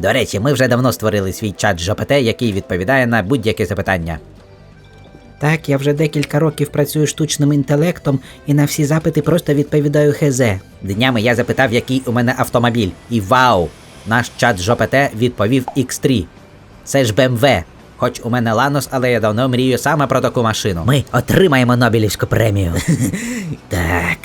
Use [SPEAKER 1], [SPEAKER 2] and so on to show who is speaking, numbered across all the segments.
[SPEAKER 1] До речі, ми вже давно створили свій чат ЖПТ, який відповідає на будь-яке запитання.
[SPEAKER 2] Так, я вже декілька років працюю штучним інтелектом і на всі запити просто відповідаю ХЗ.
[SPEAKER 1] Днями я запитав, який у мене автомобіль. І вау! Наш чат ЖПТ відповів X3. Це ж BMW. Хоч у мене Ланос, але я давно мрію саме про таку машину.
[SPEAKER 2] Ми отримаємо Нобелівську премію.
[SPEAKER 1] Так.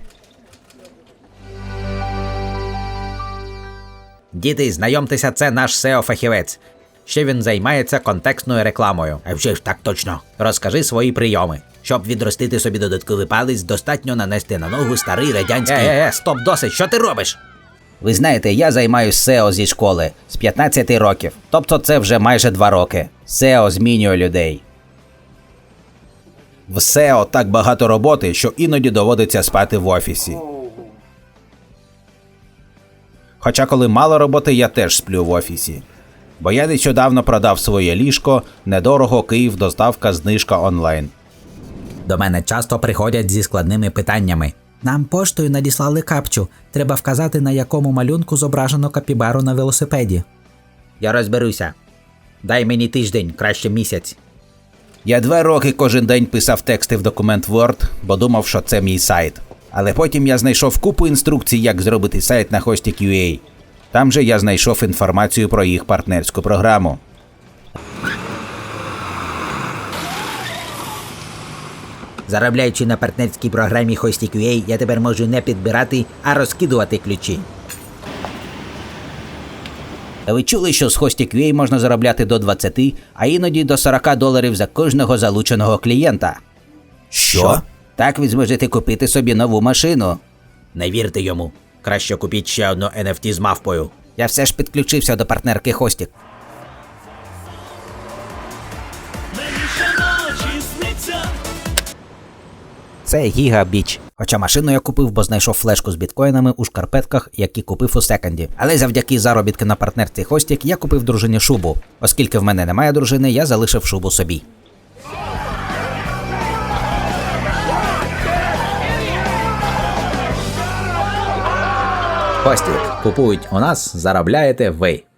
[SPEAKER 1] Діти, знайомтеся, це наш SEO-фахівець. Ще він займається контекстною рекламою. А вже ж так точно. Розкажи свої прийоми. Щоб відростити собі додатковий палець, достатньо нанести на ногу старий радянський... Стоп, досить, що ти робиш? Ви знаєте, я займаюсь SEO зі школи з 15 років. Тобто це вже майже 2 роки. SEO змінює людей. В SEO так багато роботи, що іноді доводиться спати в офісі. Хоча коли мало роботи, я теж сплю в офісі. Бо я нещодавно продав своє ліжко, недорого, Київ, доставка, знижка онлайн. До мене часто приходять зі складними питаннями.
[SPEAKER 2] Нам поштою надіслали капчу. Треба вказати, на якому малюнку зображено капібару на велосипеді.
[SPEAKER 1] Я розберуся. Дай мені тиждень, краще місяць. Я 2 роки кожен день писав тексти в документ Word, бо думав, що це мій сайт. Але потім я знайшов купу інструкцій, як зробити сайт на Hostik.ua. Там же я знайшов інформацію про їх партнерську програму. Заробляючи на партнерській програмі Hostik.ua, я тепер можу не підбирати, а розкидувати ключі. А ви чули, що з Hostik.ua можна заробляти до 20, а іноді до $40 за кожного залученого клієнта? Що? Так ви зможете купити собі нову машину. Не вірте йому. Краще купіть ще одну NFT з мавпою. Я все ж підключився до партнерки Hostik. Це Гігабіч. Хоча машину я купив, бо знайшов флешку з біткоїнами у шкарпетках, які купив у секонді. Але завдяки заробітки на партнерці Hostik я купив дружині шубу. Оскільки в мене немає дружини, я залишив шубу собі. Hostik. Купують у нас, заробляєте ви.